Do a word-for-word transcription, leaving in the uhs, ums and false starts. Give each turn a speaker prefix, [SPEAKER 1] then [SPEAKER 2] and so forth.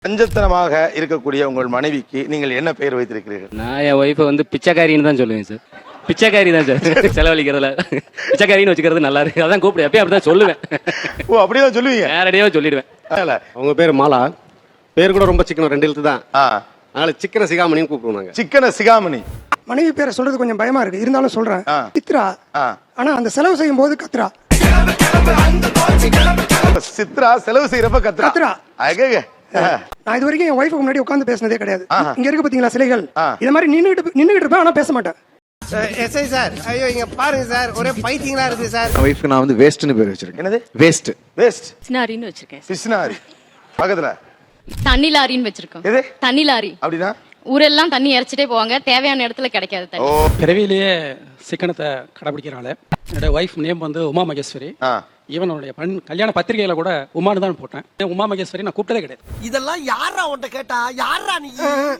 [SPEAKER 1] பஞ்சத்தனமாக இருக்கக்கூடிய உங்கள் மனைவிக்கு நீங்கள் என்ன பெயர் வைத்திருக்கிறீர்கள்?
[SPEAKER 2] நான் என் ஒய்ஃபை வந்து பிச்சைக்காரின்னு தான் சொல்லுவேன் சார். பிச்சைக்காரி தான் சார். செலவழிக்கிறதுல பிச்சைக்காரின்னு வச்சுக்கிறது நல்லா இருக்கு. அதான் கூப்பிடு எப்பயும் அப்படிதான் சொல்லுவேன்.
[SPEAKER 1] ஓ அப்படிதான் சொல்லுவீங்க?
[SPEAKER 2] நேரடியாக சொல்லிடுவேன்.
[SPEAKER 3] அவங்க பேர் மாலா. பேர் கூட ரொம்ப சிக்கனம், ரெண்டு எழுத்து தான். அதனால சிக்கன சிகாமணின்னு கூப்பிடுவாங்க.
[SPEAKER 1] சிக்கன சிகாமணி.
[SPEAKER 4] மனைவி பேரை சொல்றது கொஞ்சம் பயமா இருக்கு, இருந்தாலும் சொல்றேன். சித்ரா. ஆனா அந்த செலவு செய்யும் போது கத்ரா.
[SPEAKER 1] சித்ரா செலவு செய்யறப்ப கத்ரா.
[SPEAKER 4] கத்ரா.
[SPEAKER 1] அகங்க.
[SPEAKER 4] நான் இது வரைக்கும் என் ஒய்ஃபுக்கு முன்னாடி உட்கார்ந்து பேசினதே கிடையாது. இங்க இருக்கு பாத்தீங்களா சிலைகள், இது மாதிரி நின்னுட்டு நின்னுட்டு இருப்பேன், ஆனா பேச மாட்டேன்.
[SPEAKER 5] எஸ்ஐ சார், ஐயோ இங்க பாருங்க சார், ஒரே பைத்தியங்களா இருக்கு சார்.
[SPEAKER 6] ஒய்ஃப்க்கு நான் வந்து வேஸ்ட்னு பேர் வச்சிருக்கேன்.
[SPEAKER 1] என்னது?
[SPEAKER 6] வேஸ்ட்.
[SPEAKER 1] வேஸ்ட்.
[SPEAKER 7] பிஸ்னாரின்னு வச்சிருக்கேன்.
[SPEAKER 1] பிஸ்னாரி. பக்கத்துல
[SPEAKER 7] தண்ணி லாரின்னு வச்சிருக்கோம்.
[SPEAKER 1] எது?
[SPEAKER 7] தண்ணி லாரி.
[SPEAKER 1] அப்படினா
[SPEAKER 7] ஊரெல்லாம் தண்ணி இறைச்சிட்டே போவாங்க, தேவையான இடத்துல கிடைக்காது தண்ணி.
[SPEAKER 8] பிறவிலேயே சிக்கனத்தை கடைபிடிக்கிறாள். என்னோட ஒய்ஃப் நேம் வந்து உமா மகேஸ்வரி. ஈவனுடைய பண் கல்யாண பத்திரிகையில கூட உமானு தான் போட்டேன். உமா மகேஸ்வரி நான் கூப்பிட்டதே கிடையாது.
[SPEAKER 5] இதெல்லாம் யாரா உன்கிட்ட கேட்டா? யாரா நீ?